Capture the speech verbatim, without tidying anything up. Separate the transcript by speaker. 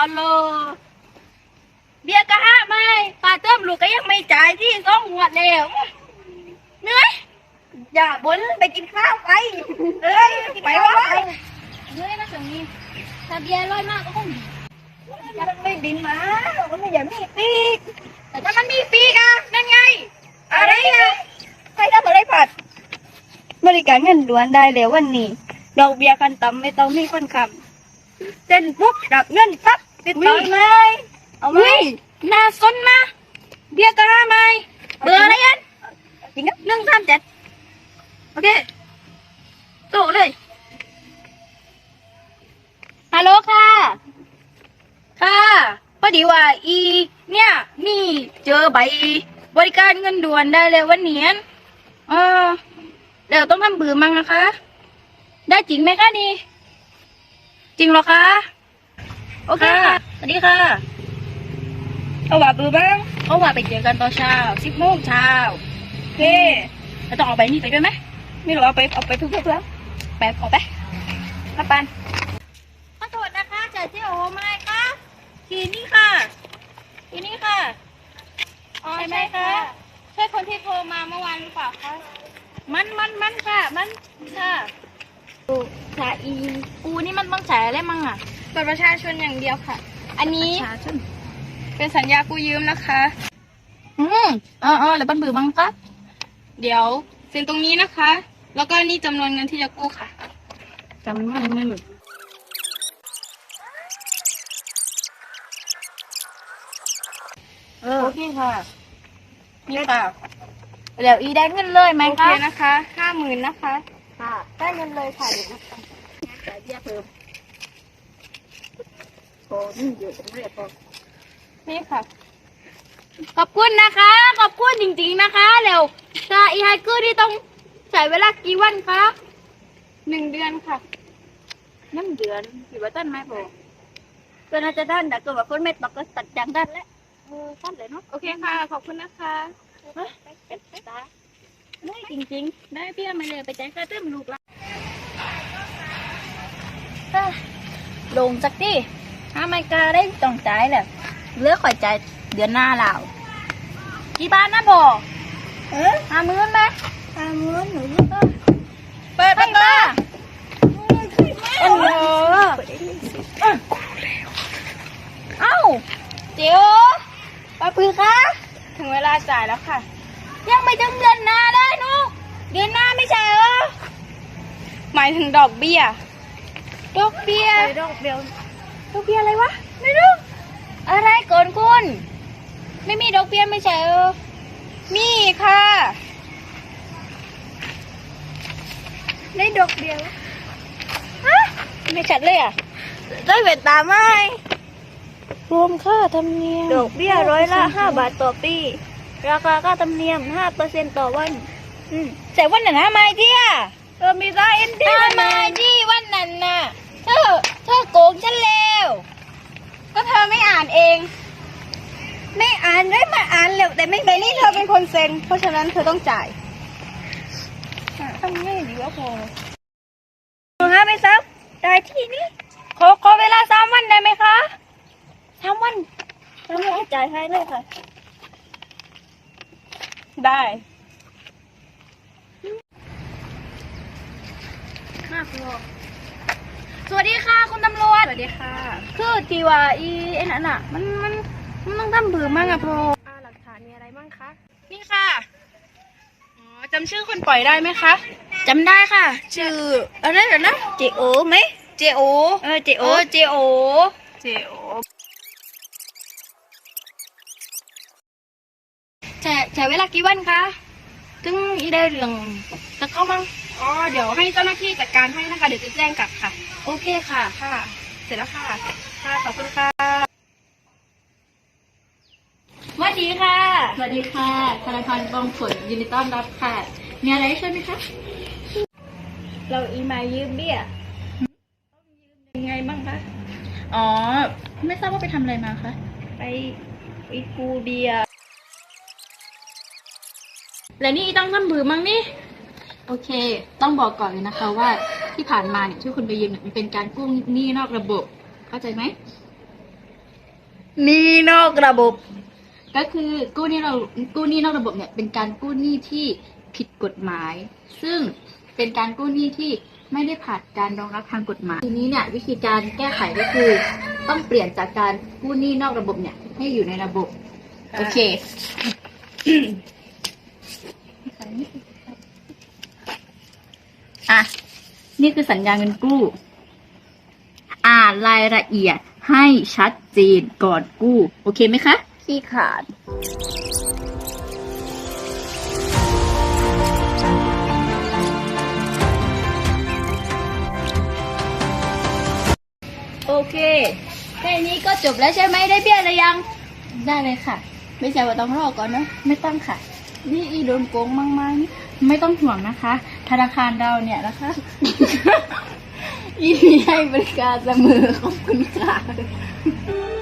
Speaker 1: เอาเลยเบียร์ก็ห้าไม่ปลาเติมลูกก็ยังไม่จ่ายที่สองหัวแล้วเหนื่อยอย่าบ่นไปกินข้าวไปเอ้ยไปวะเหนื่อยนะตรงนี้ถ้าเบียร์ลอยมากก็คงมันไม่บินมามันไม่อยากมีปีกแต่ถ้ามันมีปีกอะนั่นไงอะไรอะใครทำอะไรผัดบริการเงินด่วนได้แล้ววันนี้ดอกเบี้ยขั้นต่ำไม่ต้องมีคนค้ำเส้นปุ๊บรับเงินปั๊บติดต่อไหมเอาไหมน่าสนนะเบี้ยก็ห้าไหมเบอร์อะไรกันจริงครับหนึ่งสามเจ็ดโอเคโตเลยฮัลโหลค่ะค่ะพอดีว่าอีเนี่ยนี่เจอใบบริการเงินด่วนได้เลยวันนี้เออเดี๋ยวต้องทำเบื่อมั้งนะคะได้จริงไหมคะนี่จริงเหรอคะโอเคค่ะสวัสดีค่ะเอาว่าเบื่อบ้างเอาว่าไปเจอกันตอนเช้าสิบโมงเช้าโอเคแล้วต้องเอาไปนี่ไปด้วยไหมไม่รู้เอาไปเอาไปทุกๆแล้วไปเอาไปมาปันขอโทษนะคะเจอที่โอไหมคะทีนี้ค่ะทีนี้ค่ะอ๋อใช่ไหมคะใช่คนที่โทรมาเมื่อวานหรือเปล่าคะมันมันมันค่ะมันค่ะชาอีกูนี่มันต้องจ่ายอะไรมั่งอ่ะบัตรประชาชนอย่างเดียวค่ะอันนี้เป็นสัญญากู้ยืมนะคะอืมอ๋ออ๋อแล้วบัตรเบอร์บ้างคะเดี๋ยวเซ็นตรงนี้นะคะแล้วก็นี่จำนวนเงินที่จะกู้ค่ะจำนวนเงินเออโอเคค่ะนี่ค่ะเดี๋ยวอีได้เงินเลยไหมคะโอเคนะคะห้าหมื่นนะคะค่ะได้เงินเลยค่ะเดี๋ยวนะคะจ่ายเบี้ยเพิ่มโอ้นี่เยอะจังเลยพอนี่ค่ะขอบคุณนะคะขอบคุณจริงๆนะคะเร็วถ้าอีไฮเกอร์ที่ต้องใช้เวลากี่วันคะหนึ่งเดือนค่ะหนึ่งเดือนกี่วันต้นไหมพอก็น่าจะด้านแต่ก็แบบคนไม่ตกก็ตัดจังด้านแล้วเออด้านเลยเนาะโอเคค่ะขอบคุณนะคะเป็นตาได้จริงๆได้พี่มาเลยไปแจ้งค่าเติมลูกละลงสักทีถ้าไม่กล้าได้ต้องจ่ายแหละเลือกข่อยจ่ายเดือนหน้าแล้วกี่บาทนะบ่เออห้าหมื่นไหมห้าหมื่นหนูเปิดประตูโอ้โหเอ้าเจียวป้าปือคะถึงเวลาจ่ายแล้วค่ะยังไม่ถึงเดือนหน้าได้นุ๊กเดือนหน้าไม่ใช่เหรอหมายถึงดอกเบี้ยดอกเบี้ยดอกเบี้ยดอกเบี้ยอะไรวะไม่รู้อะไรก่อนคุณไม่มีดอกเบี้ยไม่ใช่เหรอมีค่ะได้ดอกเบี้ยฮะไม่ชัดเลยอ่ะได้เวทตาไหมรวมค่าธรรมเนียมดอกเบี้ยร้อยละห้าบาทต่อปีราคาค่าธรรมเนียมห้าเปอร์เซ็นต์ต่อวันอืมแต่วันนั้นทำไมเที่ยเออมีได้เอ็นดีทำไมที่วันนั้นน่ะเธอเธอโกงฉันแล้วก็เธอไม่อ่านเองไม่อ่านได้มาอ่านแล้วแต่ไม่แต่นี่เธอเป็นคนเซ็นเพราะฉะนั้นเธอต้องจ่ายทำง่ายดีวะพอห้าไม่ซับได้ที่นี้ขอขอเวลาสามวันได้ไหมคะสามวันสามวันจ่ายให้เลยค่ะได้ห้าพอสวัสดีค่ะคุณตำรวจสวัสดีค่ะคือทีว่าอีไอ้นั่นอ่ะมันมันมันต้องทำบือมั่งอะพออ่าหลักฐานมีอะไรมั่งคะนี่ค่ะอ๋อจำชื่อคนปล่อยได้ไหมคะจำได้ค่ะชื่ออะไรเหรอนะเจโอไหมเจโอเออเจโอเจโอเจโอใช้ใช้เวลากี่วันคะถึงอีได้เรื่องจะเข้ามั่งอ๋อเดี๋ยวให้เจ้าหน้าที่จัดการให้นะคะเดี๋ยวจะแจ้งกลับค่ะโอเคค่ะค่ะเสร็จแล้วค่ะค่ะขอบคุณค่ะสวัสดีค่ะสวัสดีค่ะธนาคารกองผลยินดีต้อนรับค่ะมีอะไรช่วยไหมคะเราอีมายืมเบี้ยต้องยืมยังไงบ้างคะอ๋อไม่ทราบว่าไปทำอะไรมาคะไปไปกูเบียแล้วนี่ต้องทำบือมั้งนี่โอเคต้องบอกก่อนเลยนะคะว่าที่ผ่านมาเนี่ยที่คุณไปยืมเนี่ยมันเป็นการกู้หนี้นอกระบบเข้าใจไหมหนี้นอกระบบ
Speaker 2: ก็คือกู้หนี้เรากู้หนี้นอกระบบเนี่ยเป็นการกู้หนี้ที่ผิดกฎหมาย ซึ่งเป็นการกู้หนี้ที่ไม่ได้ผ่านการรองรับทางกฎหมายทีนี้เนี่ยวิธีการแก้ไขก็คือ ต้องเปลี่ยนจากการกู้หนี้นอกระบบเนี่ยให้อยู่ในระบบ
Speaker 1: อ่า
Speaker 2: โอเคอ่ะนี่คือสัญญาเงินกู้ อ่านรายละเอียดให้ชัดเจนก่อนกู้ โอเคไหมคะ
Speaker 1: ขี้ขาด
Speaker 2: โอเคแค่นี้ก็จบแล้วใช่ไหมได้เบี้ยหรือยัง ได้เลยค่ะ ไม่ใช่ว่าต้องรอก่อนนะ ไม่ต้องค่ะ นี่อีโดนโกงมั่งไหมไม่ต้องห่วงนะคะ ธนาคารเราเนี่ยนะคะ อีมีให้บริการเสมอขอบคุณค่ะ